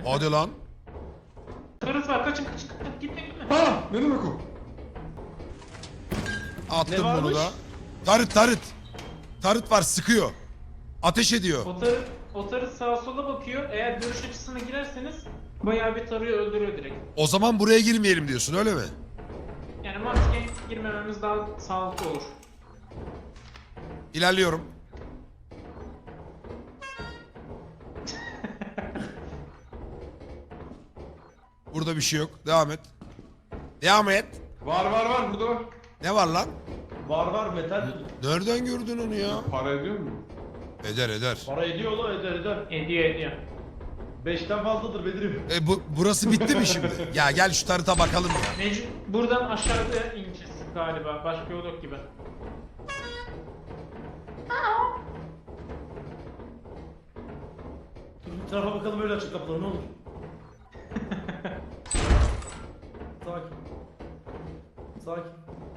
Hadi lan. Karısı var, kaçın. Gitme. Ha, ne demek o? Attım Ne bunu varmış? da. Tarıt. Tarıt var, sıkıyor. Ateş ediyor. O tarı sağa sola bakıyor. Eğer görüş açısına girerseniz bayağı bir tarıyor, öldürüyor direkt. O zaman buraya girmeyelim diyorsun, öyle mi? Yani mantıken girmememiz daha sağlıklı olur. İlerliyorum. Burada bir şey yok. Devam et. Devam et. Var burada var. Ne var lan? Var metal. Nereden gördün onu ya? Para ediyor mu? Eder. Para ediyor la eder. Ediyor. 5'ten fazladır Bedir'im. Burası bitti mi şimdi? Ya gel şu tarıta bakalım ya. Buradan aşağıda ineceğiz galiba. Başka yol yok gibi. Dur bir tarafa bakalım öyle açık kapıları ne olur. Sakin.